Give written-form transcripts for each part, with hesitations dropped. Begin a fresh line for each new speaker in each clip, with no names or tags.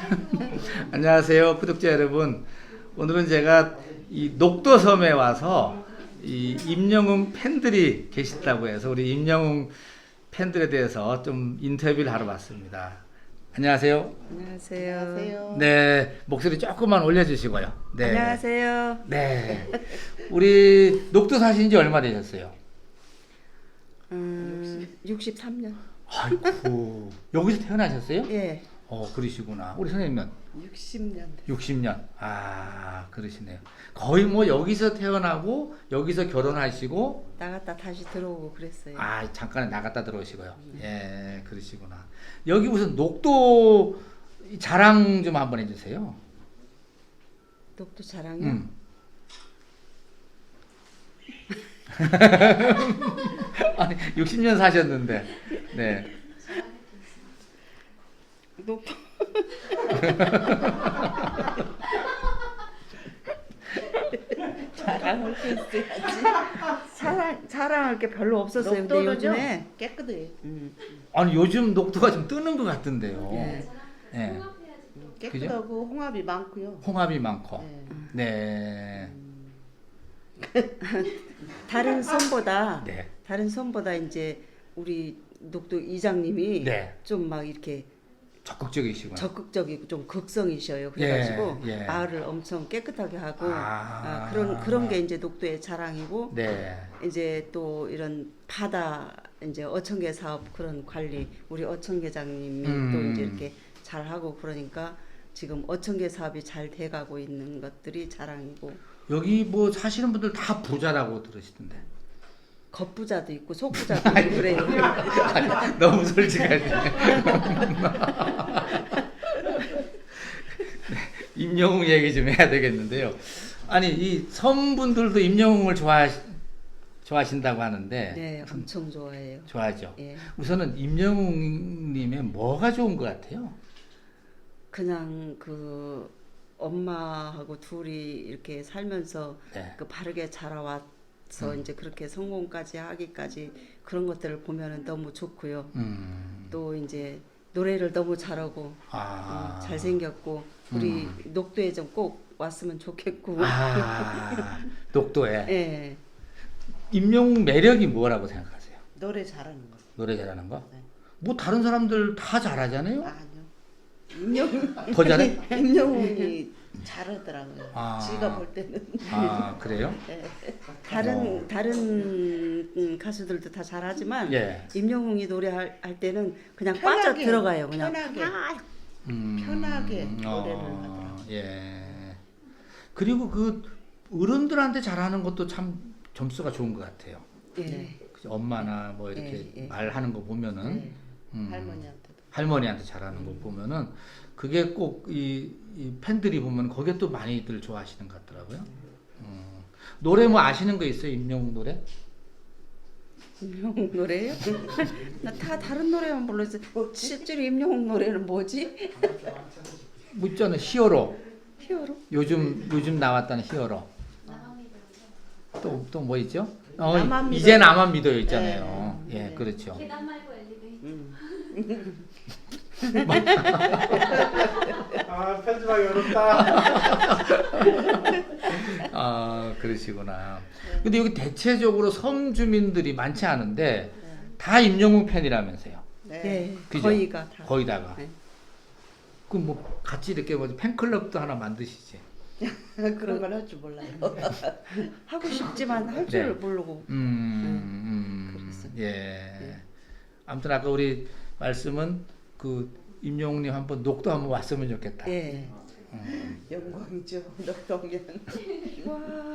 안녕하세요, 구독자 여러분. 오늘은 제가 이 녹도섬에 와서 이 임영웅 팬들이 계시다고 해서 우리 임영웅 팬들에 대해서 좀 인터뷰를 하러 왔습니다. 안녕하세요.
안녕하세요.
안녕하세요.
네, 목소리 조금만 올려주시고요. 네.
안녕하세요.
네. 우리 녹도 사신 지 얼마 되셨어요?
63년.
아이고, 여기서 태어나셨어요?
예.
그러시구나. 우리 선생님은?
60년.
60년. 아, 그러시네요. 거의 뭐 여기서 태어나고 여기서 결혼하시고
나갔다 다시 들어오고 그랬어요.
잠깐 나갔다 들어오시고요. 예, 그러시구나. 여기 무슨 녹도 자랑 좀 한번 해주세요.
녹도 자랑요?
아니 60년 사셨는데, 네.
녹도 자랑할 게 있어야지. 자랑할 게 별로 없었어요. 근데
녹도는요
요즘에
깨끗해요.
아니 요즘 녹도가 좀 뜨는 것 같던데요.
예.
예.
깨끗하고 홍합이 많고요.
홍합이 많고.
네.
네.
다른 섬보다
네.
다른 섬보다 이제 우리 녹도 이장님이
네.
좀 막 이렇게
적극적이시구나.
적극적이고 좀 극성이셔요. 그래가지고
예.
마을을 엄청 깨끗하게 하고
아.
그런 게 이제 녹도의 자랑이고
네.
이제 또 이런 바다 이제 어청계 사업 그런 관리 우리 어청계장님이 또 이제 이렇게 잘 하고 그러니까 지금 어청계 사업이 잘 돼가고 있는 것들이 자랑이고
여기 뭐 사시는 분들 다 부자라고 들으시던데.
겉부자도 있고 속부자도 있고 그래요.
아니, 너무 솔직하시네. 임영웅 얘기 좀 해야 되겠는데요. 아니 이 섬분들도 임영웅을 좋아하신다고 하는데.
네, 엄청 좋아해요.
좋아하죠.
예.
우선은 임영웅님의 뭐가 좋은 것 같아요?
그냥 그 엄마하고 둘이 이렇게 살면서
네.
그 바르게 자라왔어 이제 그렇게 성공까지 하기까지 그런 것들을 보면은 너무 좋고요. 또 이제 노래를 너무 잘하고 잘생겼고 우리 녹도에 좀 꼭 왔으면 좋겠고.
녹도에.
예.
임영웅 매력이 뭐라고 생각하세요?
노래 잘하는 거.
노래 잘하는 거?
네.
뭐 다른 사람들 다 잘하잖아요.
아니요. 임영웅
더 잘해?
임영웅이 잘하더라고요.
아.
지가 볼 때는.
그래요?
네.
다른 가수들도 다 잘하지만
예.
임영웅이 노래할 때는 그냥
편하게,
빠져 들어가요. 그냥
편하게.
아,
편하게 노래를 하더라고요.
예. 그리고 그 어른들한테 잘하는 것도 참 점수가 좋은 것 같아요.
예.
그죠? 엄마나 뭐 이렇게
예.
말하는 거 보면은
네.
할머니한테도.
할머니한테 잘하는 거 보면은 그게 꼭 이 팬들이 보면 거기에 또 많이들 좋아하시는 것 같더라고요. 노래 뭐 아시는 거 있어요? 임영웅 노래?
임영웅 노래요? 나 다 다른 노래만 불렀어. 실제로 임영웅 노래는 뭐지?
뭐 있잖아요. 히어로.
히어로?
요즘 나왔다는 히어로. 또 뭐 있죠?
나만 믿어요.
이제 나만 믿어요 있잖아요. 예, 그렇죠.
계단 말고 엘리베이터.
편집하기 어렵다.
그러시구나. 근데 여기 대체적으로 섬 주민들이 많지 않은데 다 임영웅 팬이라면서요.
네.
네.
그죠?
거의가 다.
거의다가.
네.
그럼 뭐 같이 이렇게 뭐 팬클럽도 하나 만드시지.
그런 걸 할 줄 몰라요.
하고 싶지만 할 줄
네.
모르고. 그랬어요.
예. 아무튼 아까 우리 말씀은 그 임영웅님 한번 녹도 한번 왔으면 좋겠다.
예.
영광이죠. 녹동면.
와.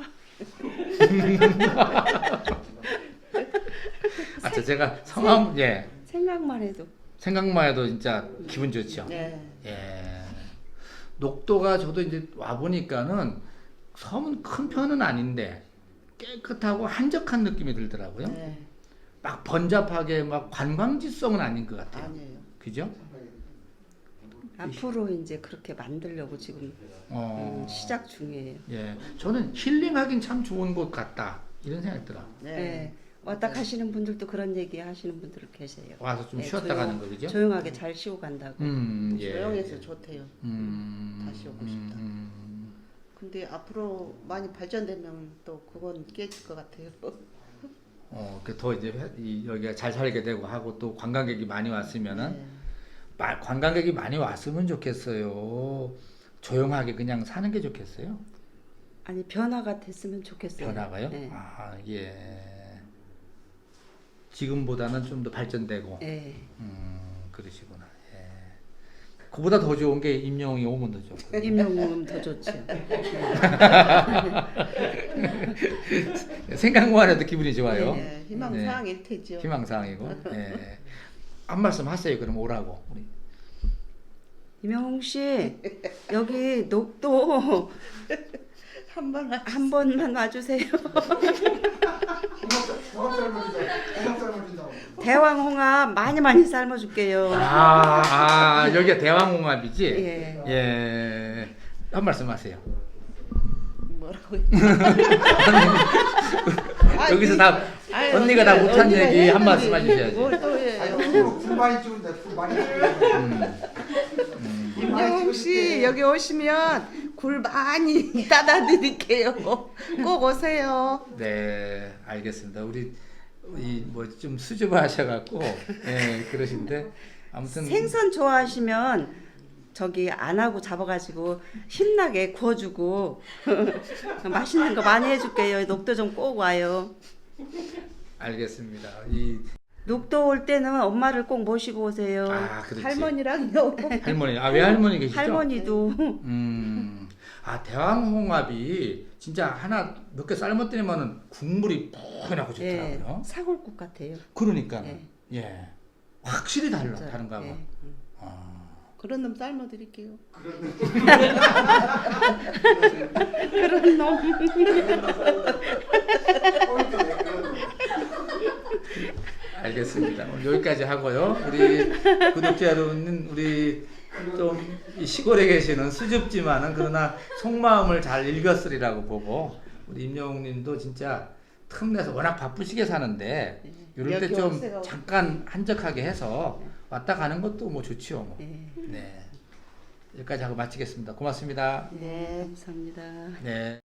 제가 성함
생각만 해도.
생각만 해도 진짜 기분 좋죠.
네.
예. 녹도가 저도 이제 와 보니까는 섬은 큰 편은 아닌데 깨끗하고 한적한 느낌이 들더라고요.
네.
막 번잡하게 막 관광지성은 아닌 것 같아요.
아니에요.
그죠?
앞으로 이제 그렇게 만들려고 지금 시작 중이에요.
예. 저는 힐링하긴 참 좋은 곳 같다. 이런 생각이 들어요.
네.
네. 왔다 가시는 분들도 그런 얘기 하시는 분들 계세요.
와서 좀
네,
쉬었다 가는 거 그죠?
조용하게 잘 쉬고 간다고.
예.
조용해서 좋대요. 다시 오고 싶다.
음.
근데 앞으로 많이 발전되면 또 그건 깨질 것 같아요.
더 이제 여기가 잘 살게 되고 하고 또 관광객이 많이 왔으면은
네.
관광객이 많이 왔으면 좋겠어요. 조용하게 그냥 사는 게 좋겠어요.
아니 변화가 됐으면 좋겠어요.
변화가요?
네.
아, 예. 지금보다는 좀 더 발전되고.
네.
그러시구나. 예. 그보다 더 좋은 게 임영웅이 오면 더 좋고.
임영웅은 더 좋죠.
생각만 해도 기분이 좋아요.
네, 희망사항일 테죠.
희망사항이고. 예. 한 말씀 하세요. 그럼 오라고. 우리.
임영웅 씨 여기 녹도 한 번만 와주세요. 대왕홍합 많이 삶아줄게요.
여기가 대왕홍합이지?
예.
예. 한 말씀 하세요.
뭐라고요?
여기서 다 언니가 다 못한 얘기 한 말씀 해주셔야지.
뭘또 해요?
불만이 찍은데 불만이 찍은데.
임영웅 씨 여기 오시면 굴 많이 따다 드릴게요. 꼭 오세요.
네, 알겠습니다. 우리 뭐 좀 수줍어하셔갖고 예 그러신데 아무튼
생선 좋아하시면 저기 안 하고 잡아가지고 힘나게 구워주고 맛있는 거 많이 해줄게요. 녹도 좀 꼭 와요.
알겠습니다.
녹도 올 때는 엄마를 꼭 모시고 오세요.
그렇지.
할머니랑요.
할머니, 외할머니 계시죠?
할머니도
대왕홍합이 진짜 하나 몇 개 삶았더니만은 국물이 푹하고 좋더라고요.
사골국 같아요.
그러니까
예.
예, 확실히
진짜,
다른가 봐.
예.
그런 놈 삶아 드릴게요.
그런 놈.
알겠습니다. 오늘 여기까지 하고요. 우리 구독자 여러분은 우리 좀 이 시골에 계시는 수줍지만은 그러나 속마음을 잘 읽었으리라고 보고 우리 임영웅님도 진짜 틈내서 워낙 바쁘시게 사는데 이럴 때 좀 잠깐 한적하게 해서 왔다 가는 것도 뭐 좋지요. 뭐. 네. 여기까지 하고 마치겠습니다. 고맙습니다.
네, 감사합니다.
네.